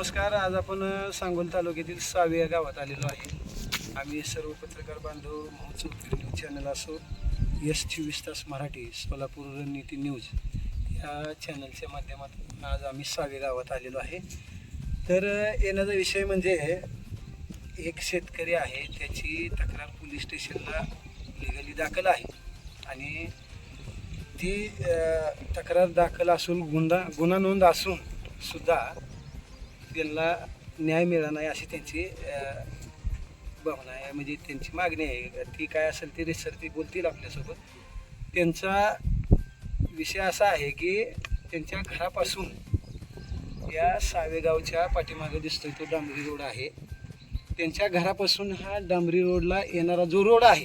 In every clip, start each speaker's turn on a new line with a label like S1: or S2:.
S1: नमस्कार. आज आपण सांगोल तालुक्यातील सावे या गावात आलेलो आहे. आम्ही सर्व पत्रकार बांधव महोत्सव न्यूज चॅनल असो, S24 मराठी, सोलापूर रणनीती न्यूज या चॅनलच्या माध्यमातून आज आम्ही सावे गावात आलेलो आहे. तर येण्याचा विषय म्हणजे एक शेतकरी आहे, त्याची तक्रार पोलीस स्टेशनला लिगली दाखल आहे आणि ती तक्रार दाखल असून गुन्हा नोंद असून सुद्धा त्यांना न्याय मिळाला नाही अशी त्यांची भावना आहे, म्हणजे त्यांची मागणी आहे. ती काय असेल ती रिसर ती बोलतील आपल्यासोबत. त्यांचा विषय असा आहे की त्यांच्या घरापासून या सावेगावच्या पाठीमागे दिसतोय तो डांबरी रोड आहे. त्यांच्या घरापासून हा डांबरी रोडला येणारा जो रोड आहे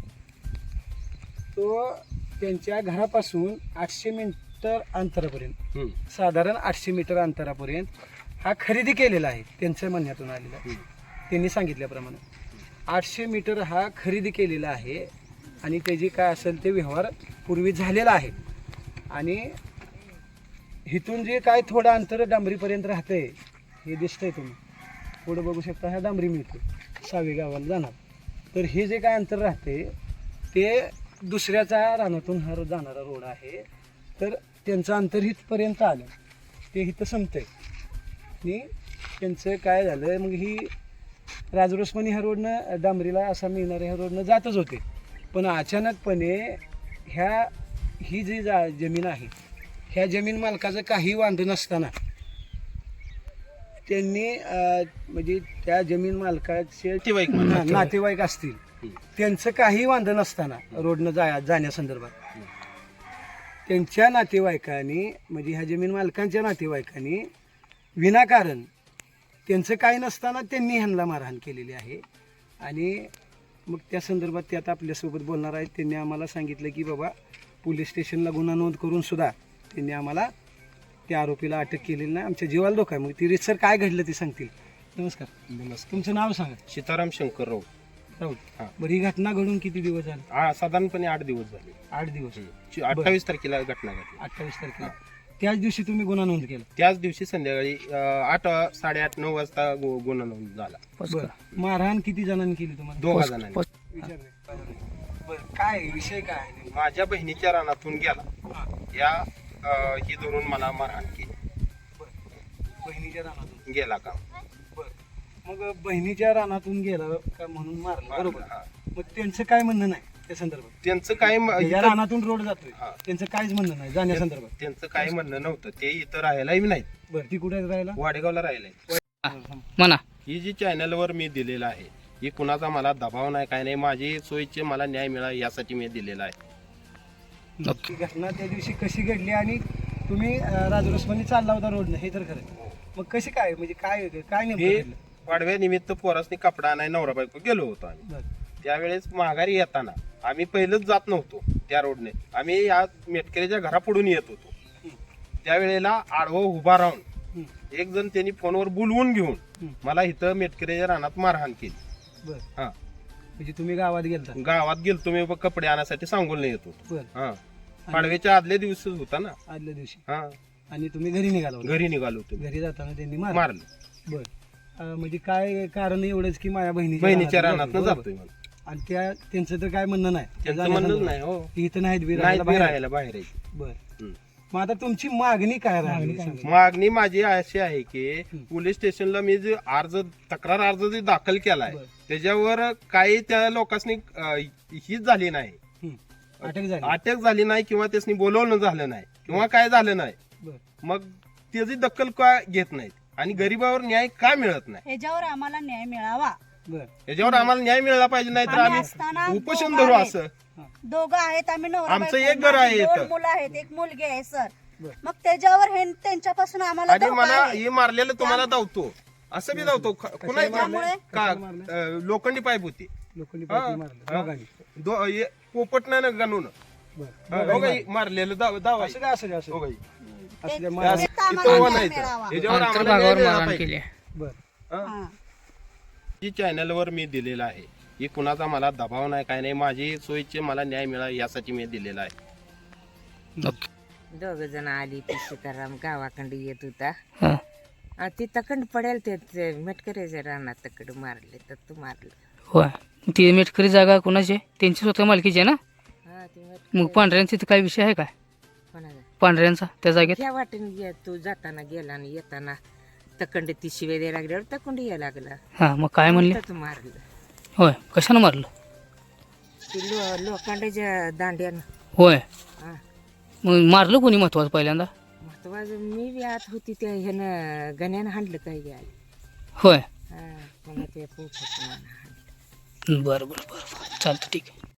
S1: तो त्यांच्या घरापासून 800 मीटर अंतरापर्यंत, साधारण 800 मीटर अंतरापर्यंत हा खरेदी केलेला आहे. त्यांच्या म्हणण्यातून आलेला आहे. त्यांनी सांगितल्याप्रमाणे 800 मीटर हा खरेदी केलेला आहे आणि त्याची काय असेल ते व्यवहार पूर्वी झालेला आहे. आणि इथून जे काय थोडं अंतर डांबरीपर्यंत राहतंय हे दिसतंय, तुम्ही पुढं बघू शकता. हा डांबरी मिळतो सावे गावाला जाणार. तर हे जे काय अंतर राहते ते दुसऱ्याचा रानातून हा जाणारा रोड आहे. तर त्यांचं अंतर इथपर्यंत आलं, ते इथं संपतंय. आणि त्यांचं काय झालं, मग ही राजरोसमणी ह्या रोडनं डांबरीला असा मिळणाऱ्या ह्या रोडनं जातच होते. पण अचानकपणे ही जी जमीन आहे, ह्या जमीन मालकाचं काही वांध नसताना त्यांनी म्हणजे त्या जमीन मालकाचे नातेवाईक असतील, त्यांचं काही वांध नसताना रोडनं जाण्यासंदर्भात त्यांच्या नातेवाईकांनी, म्हणजे ह्या जमीन मालकांच्या नातेवाईकांनी विनाकारण त्यांचं काही नसताना त्यांनी ह्यांना मारहाण केलेली आहे. आणि मग त्या संदर्भात ते आता आपल्यासोबत बोलणार आहेत. त्यांनी आम्हाला सांगितलं की बाबा पोलीस स्टेशनला गुन्हा नोंद करून सुद्धा त्यांनी आम्हाला त्या आरोपीला अटक केलेली नाही. आमच्या जीवाला धोका आहे. मग ती रितसर काय घडलं ते सांगतील. नमस्कार. तुमचं नाव सांगा.
S2: सीताराम शंकर राऊत.
S1: बरं, ही घटना घडून किती दिवस झाले?
S2: साधारणपणे 8 दिवस झाले.
S1: 8 दिवस.
S2: 28 तारखेला घटना घडली.
S1: 28 तारखेला. त्याच दिवशी तुम्ही गुन्हा नोंद केला?
S2: त्याच दिवशी संध्याकाळी 8, 8:30, 9 वाजता गुन्हा नोंद झाला.
S1: मारहाण किती जणांनी केली तुम्हाला?
S2: 2 जणांनी.
S1: बरं, काय विषय काय आहे?
S2: माझ्या बहिणीच्या रानातून गेला, या ही धरून मला मारहाण केली.
S1: बहिणीच्या रानातून
S2: गेला का?
S1: मग बहिणीच्या रानातून गेला का म्हणून मारला, बरोबर. मग त्यांचं काय म्हणणं नाही त्या संदर्भात?
S2: त्यांचं काय
S1: रानातून रोड जातोय, त्यांचं काहीच म्हणणं नाही जाण्यासंदर्भात?
S2: त्यांचं काही म्हणणं नव्हतं. ते इथं राहायलाही नाहीत.
S1: बरं, ती कुठे राहायला?
S2: वाडेगावला राहिलाय.
S3: म्हणा,
S2: ही जी चॅनलवर मी दिलेलं आहे, ही कुणाचा मला दबाव नाही, काय नाही. माझी सोयीचे मला न्याय मिळावा यासाठी मी दिलेला आहे.
S1: ती घटना त्या दिवशी कशी घडली आणि तुम्ही राजरोसमणी चालला होता रोडनं, हे तर खरं. मग कशी काय, म्हणजे काय काय
S2: हे
S1: नेमकं?
S2: पाडव्यानिमित्त पोरासनी कपडा नाही, नवरा बायको गेलो होतो आम्ही. त्यावेळेस माघारी येताना आम्ही पहिलंच जात नव्हतो त्या रोडने. आम्ही या मेटकरीच्या घरापुढून येत होतो. त्यावेळेला आडवं उभा राहून एक जण त्यांनी फोनवर बोलवून घेऊन मला इथं मेटकरीच्या रानात मारहाण केली.
S1: हा, म्हणजे तुम्ही गावात गेलता?
S2: गावात गेलतो मी कपडे आणण्यासाठी, सांगून येत होतो.
S1: बरं.
S2: पाडव्याच्या आदल्या दिवशीच होता ना.
S1: आदल्या दिवशी.
S2: हा,
S1: आणि तुम्ही घरी निघाला?
S2: घरी निघालो होतो.
S1: घरी जाताना त्यांनी
S2: मारलं.
S1: बरं, म्हणजे काय कारण एवढंच की माझ्या
S2: बहिणीच्या रानात जातोय.
S1: आणि त्यांचं तर काय म्हणणं नाही?
S2: त्यांचं म्हणणं नाही. हो,
S1: इथं नाहीत
S2: राहायला बाहेर आहे.
S1: बरं, मग आता तुमची मागणी काय राहिली?
S2: मागणी माझी अशी आहे की पोलीस स्टेशनला मी जे तक्रार अर्ज जे दाखल केलाय त्याच्यावर काही त्या लोकांनी हीच झाली नाही, अटक झाली नाही, किंवा त्यासनी बोलवणं झालं नाही, किंवा काय झालं नाही. मग त्याची दखल का घेत नाहीत आणि गरीबावर न्याय का मिळत नाही?
S4: याच्यावर आम्हाला न्याय मिळावा.
S2: याच्यावर आम्हाला न्याय मिळाला पाहिजे, नाही तर आम्ही उपोषण धरू. असं
S4: दोघं आहेत, आम्ही नवरा
S2: आमचं
S4: बायको,
S2: एक घर आहे
S4: माझी
S2: इथं.
S4: 2 मुलं आहेत, 1 मुलगी आहे सर. मग त्याच्यावर हे त्यांच्यापासून आम्हाला
S2: आणि
S4: धोका
S2: मला
S4: आहे.
S2: हे मारलेलं तुम्हाला धावतो, असं बी धावतो.
S4: त्यामुळे
S2: का लोखंडी पाईप होती, पोपट नाही ना गणून मारलेलं दावा. जी चॅनलवर मी दिलेला आहे, ही कुणाचा मला दबाव नाही, काय नाही. माझी सोयीचे मला न्याय मिळावा यासाठी मी दिलेला आहे.
S3: ओके.
S5: दोघ जण आली ती सीताराम गावाकडे येत होता.
S3: ती तकंड पडेल ते मेटकऱ्याच्या रानात तकड मारले तर तू मारलं.
S5: होय ती मेटकरी जागा कोणाची आहे? त्यांची स्वतः मालकीची आहे ना?
S3: हा ती
S5: मग पांढऱ्यांचा तिथे काय विषय आहे काय
S3: कोणाला
S5: पांढऱ्यांचा त्या जागेत?
S3: ह्या वाटेने गे तू जाताना गेला आणि येताना तकंड ती शिवे द्यायला लागल्यावर तकंड यायला लागला.
S5: हां मग काय म्हणले?
S3: तू मारलं
S5: होय कशानं मारलं?
S3: ती लोखंडाच्या दांड्यानं.
S5: होय
S3: हा
S5: मग मारलं कोणी महत्वाचं पहिल्यांदा?
S3: महत्वाचं मी बी आत होती त्या ह्यानं गण्यानं हाणलं काही बी आली.
S5: होय
S3: हा पुन्हा ते पोखत
S5: बरं बरं बरं चालतं ठीक आहे.